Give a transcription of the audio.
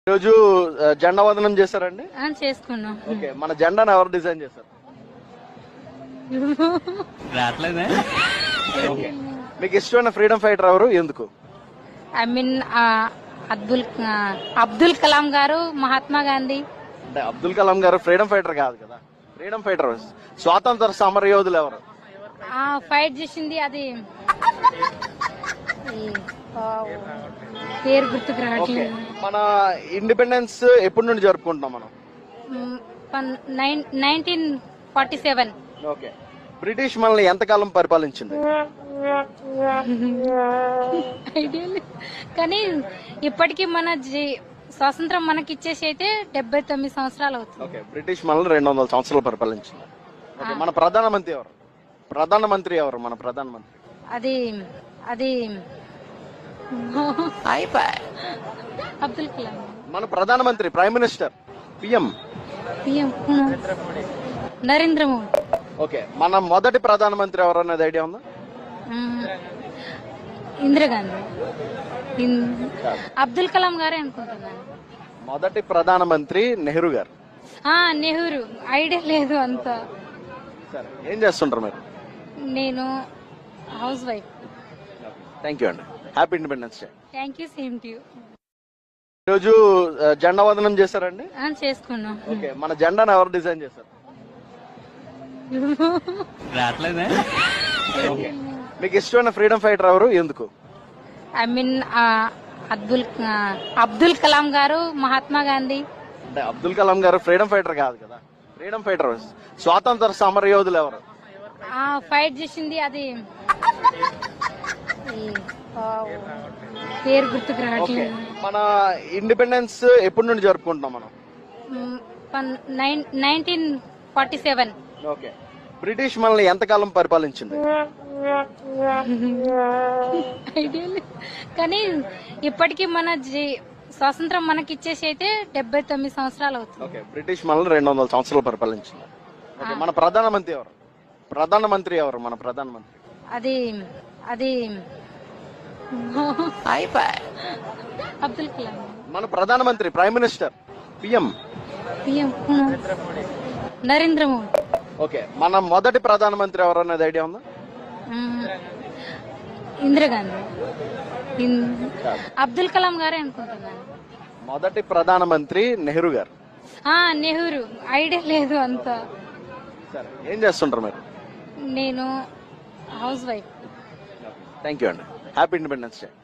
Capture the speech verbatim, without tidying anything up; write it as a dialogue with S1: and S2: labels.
S1: రోజు ఆ, జెండా వందనం చేశారండి.
S2: ఆ, చేసుకున్నాం.
S1: ఓకే, మన జెండాను ఎవరు డిజైన్ చేశారు?
S3: రావట్లేదే.
S1: ఓకే, మీకు ఇష్టమైన ఫ్రీడమ్ ఫైటర్ ఎవరు, ఎందుకు?
S2: ఐ మీన్ అబ్దుల్ ఆ, అబ్దుల్ కలాం గారు, మహాత్మా గాంధీ.
S1: అంటే అబ్దుల్ కలాం గారు ఫ్రీడమ్ ఫైటర్ కాదు కదా. ఫ్రీడమ్ ఫైటర్ స్వాతంత్ర సమర యోధులు ఎవరు?
S2: ఆ ఫైట్ చేసింది అది ఈ, ఆ, పేరు గుర్తుకు
S1: ఓకే,
S2: రావట్లేదు.
S1: మన ఇండిపెండెన్స్ ఎప్పటి నుండి జరుపుకుంటున్నాం మనం?
S2: Nineteen forty seven.
S1: Okay, British మనల్ని ఎంతకాలం పరిపాలించింది?
S2: ఐడియా లేదు. కానీ ఇప్పటికీ మన జీ- స్వాతంత్రం మనకి ఇచ్చేసి అయితే డెబ్బై తొమ్మిది సంవత్సరాలు అవుతుంది.
S1: ఓకే, బ్రిటిష్ మనల్ని రెండు వందల సంవత్సరాలు పరిపాలించింది. ఓకే, మన ప్రధానమంత్రి ఎవరు? ప్రధానమంత్రి ఎవరు మన ప్రధానమంత్రి?
S2: అది అది అబ్దుల్ కలాం.
S1: మన ప్రధానమంత్రి, prime minister, PM.
S2: PM Narendra Modi.
S1: Okay, మన మొదటి ప్రధానమంత్రి ఎవరు అనేది ఐడియా ఉందా?
S2: మ్మ్. ఇందిరాగాంధీ. ఇన్- అబ్దుల్ కలాం గారే అనుకుంటున్నాను.
S1: మొదటి ప్రధానమంత్రి నెహ్రూ గారు.
S2: ఆ, నెహ్రూ. ఐడియా లేదు అంత.
S1: సరే, ఏం చేస్తుంటారు మీరు?
S2: నేను హౌస్ వైఫ్.
S1: థ్యాంక్ యూ అండి. Happy independence day.
S2: Thank you, same to you.
S1: ఈరోజు ఆ, జెండా వందనం చేశారండి.
S2: చేసుకున్నాం.
S1: ఓకే, మన జెండాను ఎవరు డిజైన్ చేశారు?
S3: రావట్లేదే.
S1: ఓకే, మీకు ఇష్టమైన ఫ్రీడమ్ ఫైటర్ ఎవరు, ఎందుకు?
S2: ఐ మీన్ అబ్దుల్ ఆ, అబ్దుల్ కలాం గారు, మహాత్మా గాంధీ.
S1: అంటే అబ్దుల్ కలాం గారు ఫ్రీడమ్ ఫైటర్ కాదు కదా. ఫ్రీడమ్ ఫైటర్ స్వాతంత్ర సమర యోధులు ఎవరు?
S2: ఆ ఫైట్ చేసింది అది ఈ, ఆ, పేరు గుర్తుకు
S1: ఓకే,
S2: రావట్లేదు.
S1: మన ఇండిపెండెన్స్ ఎప్పటి నుండి జరుపుకుంటున్నాం మనం?
S2: Nineteen forty seven.
S1: Okay, British మనల్ని ఎంతకాలం పరిపాలించింది?
S2: ఐడియా లేదు. కానీ ఇప్పటికీ మన జీ- స్వాతంత్రం మనకి ఇచ్చేసి అయితే డెబ్బై తొమ్మిది సంవత్సరాలు అవుతుంది.
S1: ఓకే, బ్రిటిష్ మనల్ని రెండు వందల సంవత్సరాలు పరిపాలించింది. ఓకే, మన ప్రధానమంత్రి ఎవరు? ప్రధానమంత్రి ఎవరు మన ప్రధానమంత్రి?
S2: అది అది అబ్దుల్ కలాం.
S1: మన ప్రధానమంత్రి, prime minister, PM.
S2: PM Narendra Modi.
S1: Okay, మన మొదటి ప్రధానమంత్రి ఎవరు అనేది ఐడియా ఉందా?
S2: మ్మ్. ఇందిరాగాంధీ. ఇన్- అబ్దుల్ కలాం గారే అనుకుంటున్నాను.
S1: మొదటి ప్రధానమంత్రి నెహ్రూ గారు.
S2: ఆ, నెహ్రూ. ఐడియా లేదు అంత.
S1: సరే, ఏం చేస్తుంటారు మీరు?
S2: నేను హౌస్ వైఫ్.
S1: థ్యాంక్ యూ అండి. Happy independence day.